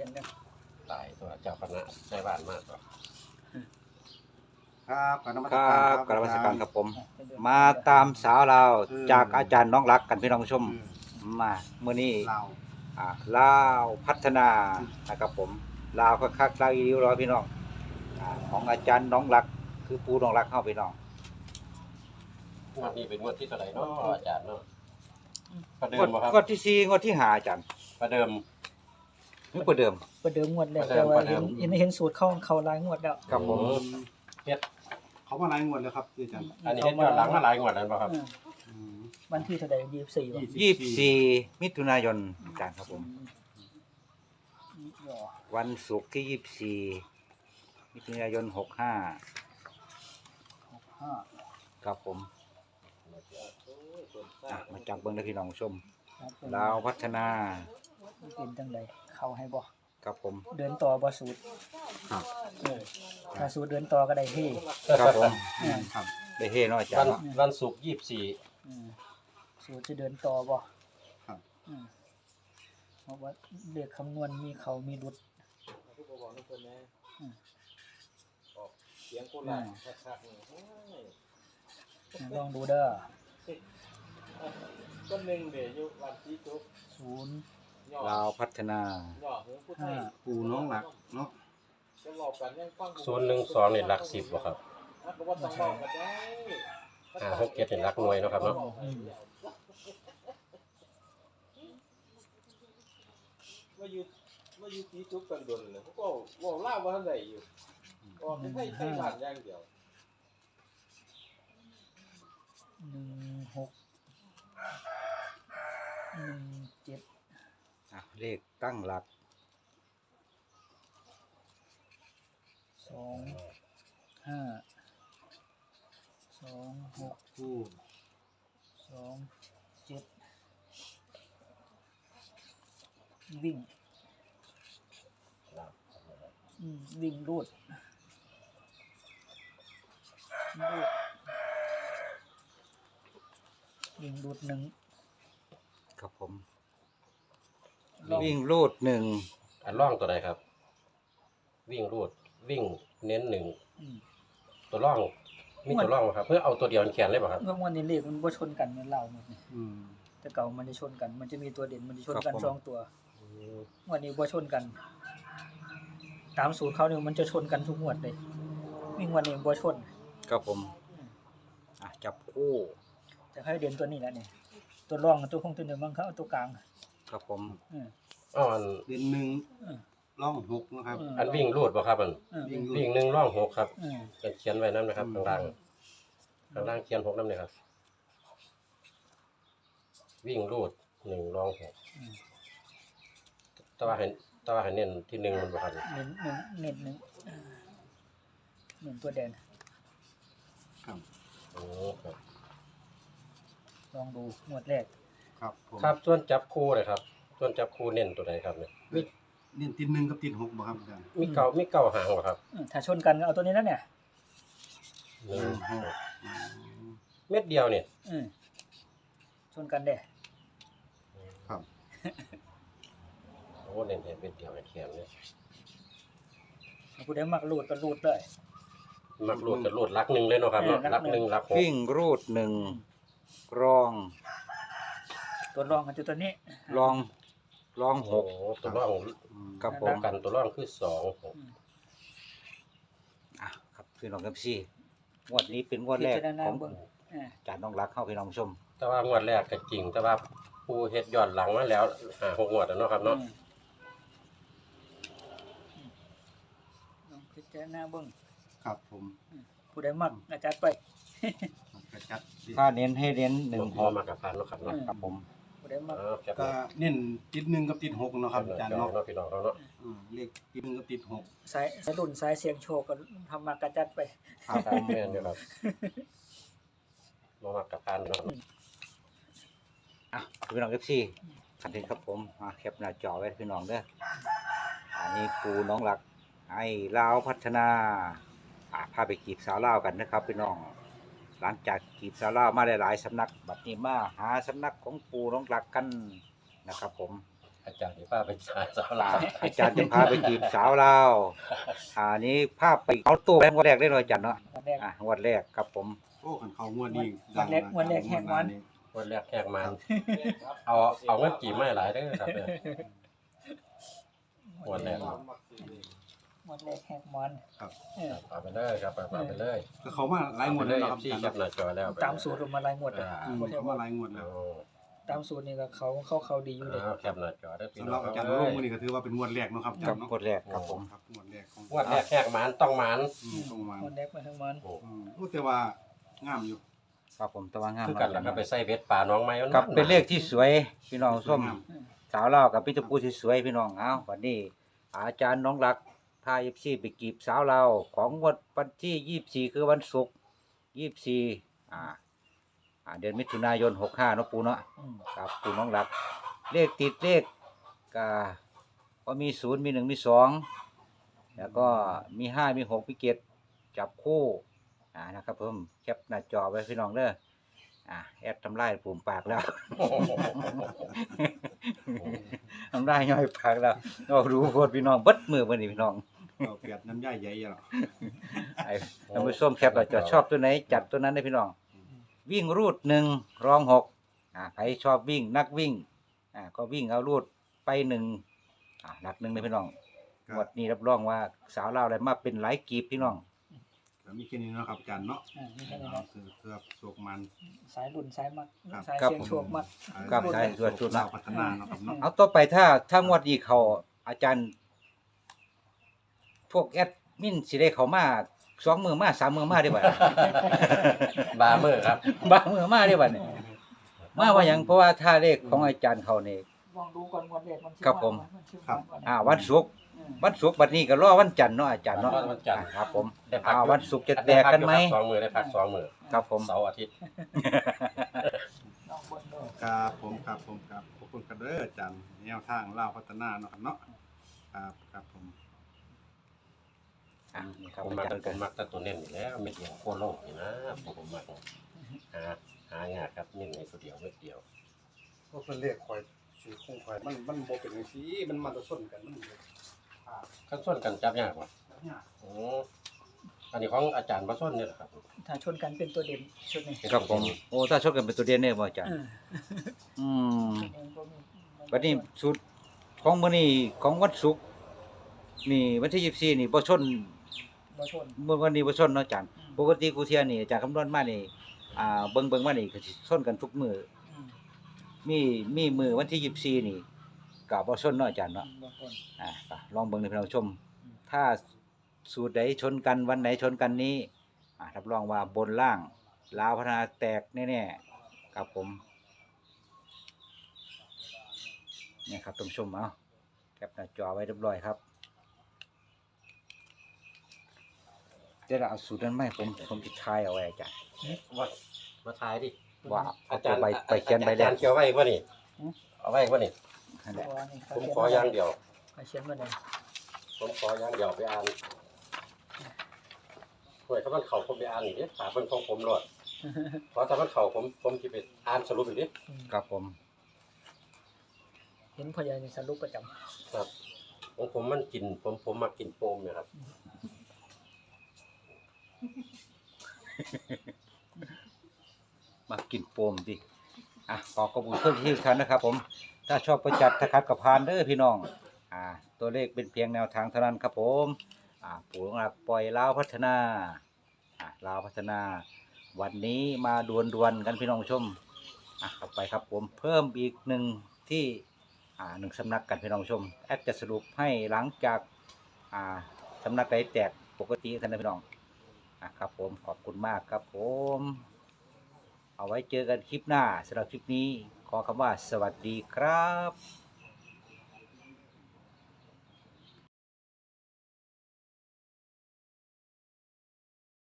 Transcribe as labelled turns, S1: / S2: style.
S1: ขียนได้
S2: ตายตัวเจ้าคณะได้บ้านมากกว่า
S3: ครับกราบนมัส
S4: ค
S3: การ
S4: รับ
S3: ครับ
S4: กราบนมัสการครับผม
S1: เป็นเดือน
S4: มาตามสาวเราวจากอาจารย์น้องรักกันพี่น้องผู้ชม
S3: อืม
S4: มาเมื่อนี้
S3: เรา
S4: ลาวพัฒนานะครับผมลาวคักๆลาวอีริ้วรอพี่น้องของอาจารย์น้องรักคือปูน้องรักเข้าพี่น้อง
S2: งวดนี้เป็นงวดที่เท่าไหร่เนาะอาจารย์เนาะประเดิ
S4: งว
S2: ม
S4: ด
S2: บ่ครับ
S4: งวดที่สี่งวดที่ห้าอาจารย์
S2: ประเดิม
S4: นึกประเดิม
S1: ประเดิมงวดแรก
S2: ประเดิ
S1: แต่
S2: ม
S1: ว่า
S2: ประเดิม
S1: เห็นสูตรเข้าหลายงวดแล้ว
S4: ครับผม
S2: เฮ็ด
S3: เขามาหลายงวดแล้วครับอาจารย์
S2: อันนี้เฮ็ดย้อนหลังมาหลายงวดแล้วบ่ครับ
S1: อืม
S3: อืม
S1: วันที่เท่าไหร่24ว่ะ
S4: 24 มิถุนายนอาจารย์ครับผม
S1: อ๋อ
S4: วันศุกร์ที่24 มิถุนายน65
S1: 5
S4: ครับผมมาจับเบิ้งได้พี่น้องผู้ชม
S1: ครับผม
S4: ลาวพัฒนา
S1: เป็นจังไดเข้าให้บ่
S4: ครับผม
S1: เดินต่อบ่สูตร
S3: ครับ
S1: ถ้าสูตรเดินต่อก็ได้เฮ้
S4: ครับผม
S3: ครับ
S4: ได้เฮเนาะอาจาร
S2: วัน
S4: ย์เนาะ
S2: วันศุกร์24
S1: อืมสูตรจะเดินต่อบ่
S3: ครับ
S1: อืมเพราะว่าเลขคำนวณมีเขามีหลุดอืมลองดูเด้อ
S5: ต้นหนึ่งเดี๋ยวอยู่วันที่จุ๊บ
S1: 0
S4: ลาวพัฒนา
S5: หย่อหูผู้ไทย
S3: ปูน้องหลักเนาะ
S5: จะบอกกันยังฟัง
S2: 012นี่หลัก10บ่ครับ
S5: มันก็ว่าต้องบอกกันได้
S2: 567นี่หลักหน่วยเนาะครับเนาะ
S5: ว่าอยู่ที่จุ๊บกันดนเลยเขาก็บอกเล่าว่าท่านใดอยู่บอกให้ไทยผ่านอย่างเดียว
S1: 16 17
S4: เลขตั้งหลัก
S1: 2 5 2 6
S3: ปู
S1: 2 7 วิ่งวิ่งรูดวิ่งรูดหนึ่ง
S4: ครับผม
S1: ลอง
S4: วิ่งรูดหนึ่ง
S2: อันร่องตัวใดครับ วิ่งรูดวิ่งเน้นหนึ่ง
S1: อืม
S2: ตัวร่องมีตัวร่องบ่ครับเพื่อเอาตัวเดียวเขียนเลยบ่ครับ
S1: เมื่อวันนี้เลขมันบ่ชนกันเหมือนเราหมดนี่
S3: อืม
S1: แต่เก่ามันจะชนกัน มันจะมีตัวเด่นมันจะชนกันสองตัววันนี้บ่ชนกัน ตามสูตรเขาเนี่ยมันจะชนกันทุกงวดเลยวิ่งวันนี้บ่ชน
S4: ครับผมจับคู่
S1: แต่ให้เด่นตัวนี้แหละนี่ตัวรองกับตัวคงตัวหนึ่งบางเขาเอาตัวกลาง
S4: ครับผม
S1: อืม
S2: อ้าวอัน
S3: เดือนหนึ่ง
S1: อืม
S3: ร่องหกนะครับ
S2: อันวิ่งรูดบ่ครับอัน
S1: อืม
S3: วิ่งรูด
S2: วิ่งหนึ่งร่องหกครับ
S1: อืม
S2: เป็นเขียนไว้นั่นนะครับข้างล่างข้างล่างเขียนหกนั่นเลยครับ วิ่งรูดหนึ่งร่องหก
S1: อืม
S2: แต่ว่าเห็นเน้นที่หนึ่งมันบ่ครับ
S1: เน้นหนึ่งเน้นตัวแดง
S3: ครับ
S2: โอ้ครับ
S1: ลองดูงวดแรก
S3: ครับผม
S2: ครับส่วนจับคู่เลยครับ ส่วนจับคู่เน้นตัวใดครับเนี่ยมี
S3: นี่ติดหนึ่งกับติดหกบ่ครับอาจารย์
S2: มีเก้าหางบ่ครับ
S1: ถ้าชนกันก็เอาตัวนี้แล้วเนี่ย
S2: หนึ่ง
S3: หก
S2: เม็ดเดียวเนี่ย
S1: อืมชนกันเด้
S3: ครับ
S2: โอ้เน้นเม็ดเดียวไอ้เขียนเนี่ย
S1: ผู้ใดมักรูดก็รูดเลย
S2: มักรูดจะรูดลักหนึ่งเลยเนาะครับเนาะ
S1: ลั
S2: ลั
S1: ก
S2: ก
S1: ห
S2: ห
S1: นึ่
S2: นึ่
S1: ง
S2: งลักหก
S4: วิ่งรูดหนึ่งรอง
S1: ตัวรองกันตัวนี้
S4: รองรองห
S2: โอ้
S4: ก
S2: ตัวร่อง
S3: อืม
S4: ครับผ
S2: ป้อ
S4: ม
S2: งกันตัวร่องคือสองหก
S4: ครับพี่น้องครับซี่งวดนี้เป็นงวดแรก
S1: พิจารณา
S4: ของ
S1: เบิ่งอ่า
S4: อาจารย์น้องรักเข้าพี่น้องผู้ชม
S2: แต่ว่างวดแรกก็จริง แต่ว่าผู้เฮ็ดย้อนหลังมาแล้วหกงวดแล้วเนาะครับเนาะ
S1: ลองพิจารณาเบิ่ง
S3: ครับผม
S1: ผู้ใดมักอาจารย์ไป
S3: กระจัด
S4: ถ้าเน้นให้เน้นหนึ่ง
S2: พ
S4: ห
S2: อก มากับพันเนาะครับเนาะ
S4: ครับผม
S1: ผู้ใดมัก
S2: แคป
S3: ก็เน้นติดหนึ่งกับติดหกเนาะครับอาจารย์
S2: เนาะ
S3: เนาะ
S2: พี่น้องเนาะ
S3: เลขติดหนึ่งกับติดหก
S1: สายรุ่นสายเสียงโชคก็ทำมากระจัดไป
S3: ครับ
S2: ตามแม่นอยู่ครับมากับพันเนาะ
S4: พี่น้องครับซี่คันนี้ครับผมแคปหน้าจอไว้พี่น้องเด้ออันนี้ปูน้องรักไอ้ลาวพัฒนาพาไปกีบสาวลาวกันนะครับพี่น้อง หลังจากกีบสาวลาวมาหลายๆสำนักบัดนี้มาหาสำนักของปูน้องรักกันนะครับผม
S2: อาจารย์ที่ป้าเป็นสายสาวลาว
S4: อาจารย์จะพาไปจีบสาวลาวอันนี้ภาพไปเอาตู้แบงค์วันแรกได้เลยอาจารย์เนาะ
S1: วันแรก
S4: งวดแรกครับผม
S3: โอ้ขันเขางวดนี้
S1: วันแรกแหกมัน
S2: วันแรกแขกมันเอาเงินกี่ไม่หลายเด้อครับเนี่ยวันแรก
S1: วันแรกแหกมัน
S3: ครับ
S2: เอาไปเลยครับเอาไปเลย
S3: ก็เขามาหลายงวดแล้วเนาะครับ
S2: ที่
S3: อา
S2: แค
S3: จาร
S2: ป
S3: ย์
S2: หน้าจอแล้ว
S1: ตามสูตรมาลายงวดเลย
S3: เขามาหลายงวดแล้ว
S1: ตามสูตรนี่ก็เขาดีอยู่เลย
S2: แคปหน้าจอได้พี่
S3: สำห
S2: น้
S3: รั
S2: อบ ง
S3: อาจารย์ลงมือนี่ก็ถือว่าเป็นงวดแรกเนาะครับอาจารย์เนาะ
S4: งวดแรกครับผม
S3: ครับงวดแรกของ
S2: วันแรกแขกมันต้องมัน
S3: ตรงมา
S1: วันแรกมาทั้งมัน
S3: โอ้แต่ว่างามอยู่
S4: ครับผมตะวันงาม
S2: คือกันแล้วก็ไปใส่เบ็ดป่าน้องไม้
S4: ครับเป็นเลขที่สวยพี่น้องส้มสาวลาวกับพี่ตะปูที่สวยพี่น้องเอาวันนี้ อาจารย์น้องรักพาFCไปกีบสาวลาวของงวดวันที่24คือวันศุกร์24เดือนมิถุนายน65เนาะปูเนาะครับปูน้องรัก เลขติดเลขก็มี0มี1มี2แล้วก็มี5มี6มี7จับคู่นะครับผมแคปหน้าจอไว้พี่น้องเด้อแอดทำลายปุ่มปากแล้ว ทำลายย่อยปากแล้วเรารู้โคตรพี่น้องเบิดมือวันนี้พี่น้อง
S3: เราเปียดน้ำย่ายใหญ่ๆหรอ
S4: ไอ้ท่านผู้ชมแคปเราจะชอบตัวไหนจัดตัวนั้นได้พี่น้อง วิ่งรูด1รอง6ใครชอบวิ่งนักวิ่งก็วิ่งเอารูดไป1หลัก1เลยพี่น้องงวดนี้รับรองว่าสาวลาวอะไรมาเป็นหลายกีบพี่น้อง
S3: ก็มีแค่นี้เนาะครับอาจารย์เนาะ
S1: นี่แค่นี้นะ
S3: คือเพื่อโชคมัน
S1: สายรุ่นสายมัก
S3: ครับ
S1: สาย
S4: ครับ
S1: เสียงโชคมัก
S4: ครับใช่ส่วนชุดนะ
S3: พัฒนาเนาะครับเนาะ
S4: เอาต่อไปถ้างวดนี้เขาอาจารย์พวกแอดมินสิได้เขามา2 มือมา3 มือมาได้บ่
S2: บาเมอร์ครับ
S4: บางมือมาได้บ่เนี่ยมาว่าหยังเพราะว่าถ้าเลขของอาจารย์เขานี่
S1: ลองดูก่อนวันแรกมัน
S4: ครับผม
S1: ครับ
S4: วันศุกร์บัดนี้ก็รอวันจันทร์เนาะอาจารย์เนาะ
S2: วันจันทร์
S4: ครับผม
S2: ได้พัก
S4: วันศุกร์จะแตกกันไหม
S2: 2 มือได้พัก2 มือ
S4: ครับผม
S2: เสาร์อาทิตย์
S1: ลองเบิ่งดู
S3: ครับผมครับขอบคุณครับเด้ออาจารย์แนวทางเล่าวพัฒนาเนาะครับเนาะครับผม
S4: นี่ครับ
S2: ผม
S4: อา
S2: มัก
S4: จารย์
S2: ผ
S4: ก็
S2: มมักแต่ตัวเน้นอยู่แล้วเม็ดเดียวโคโลกนี่นะผมมักหางานครับเน้นในตัวเดียวเม็ดเดียว
S3: ก็เป็นเลขคอยชื่อคงคอยมันบ่เป็นจังซี่มันมาชนกันมัน
S2: ขั้นส่วนกันจับยากกว่าโอ้อันนี้ของอาจารย์ประส้นนี่แหละครับ
S1: ถ้าชนกันเป็นตัวเด่นชุดนี้
S4: ครับผมโอ้ถ้าชดกันเป็นตัวเดียวเนี่ยบ่อาจารย์ อืม บัดนี้สุดของมื้อนี้ของวันศุกร์นี่วันที่24นี่บ่ชน
S1: บ่ชน
S4: มื้อวันนี้บ่ชนเนาะอาจารย์ปกติกูเที่ยนี่อาจารย์คำนวณมานี่เบิ่งมานี่ก็สิชนกันทุกมื้อมีมื้อวันที่24นี่ก็บ่ชนเนาะอาจารย์เนาะ
S1: บ่ชน
S4: ก็ลองเบิ่งให้พี่น้องชม ถ้าสูตรใดชนกันวันไหนชนกันนี้รับรองว่าบนล่างลาวพัฒนาแตกแน่ๆครับผมเนี่ยครับท่านผู้ชมเอาแคปหน้าจอไว้เรียบร้อยครับเดี๋ยวเราเอาสูตรนั้นมาให้ผมจะทายเอาไว้อาจารย์
S2: ว่ามาทายดิ
S4: ว่าเอาตัวไปเขียนใบแร
S2: อาก จารย์เขียวไว้ป่ะนี่เอาไว้ป่ะนี่
S4: นั่นแหละ
S2: ผมขออย่างเดียว
S1: เขียนมาเลย
S2: ผมขออย่างเดียวไปอ่านห่วยถ้ามันเข่าผมไปอ่านอีกนิดถามมันของผมหลดเพราะถ้ามันเข่าผมจะไปอ่านสรุปอีกนิด
S4: ครับผม
S1: เห็นพ่อใหญ่นี่สรุปประจำ
S2: ครับของผมมันกินผมมากินโปมเนี่ยครับ
S4: มากินโฟมดิขอขอบคุณเพื่อนที่ทุกท่านนะครับผมถ้าชอบประจัดถ้าคัดกับพานเด้อพี่น้องตัวเลขเป็นเพียงแนวทางเท่านั้นครับผมปู่หลักปล่อยลาวพัฒนาลาวพัฒนา วันนี้มาดวลกันพี่น้องผู้ชมเข้าไปครับผมเพิ่มอีกหนึ่งที่1 สำนักกันพี่น้องผู้ชมแอดจะสรุปให้หลังจากสำนักใดแตกปกติท่านนะพี่น้องครับผมขอบคุณมากครับผมเอาไว้เจอกันคลิปหน้าสำหรับคลิปนี้ขอคำว่าสวัสดีครับ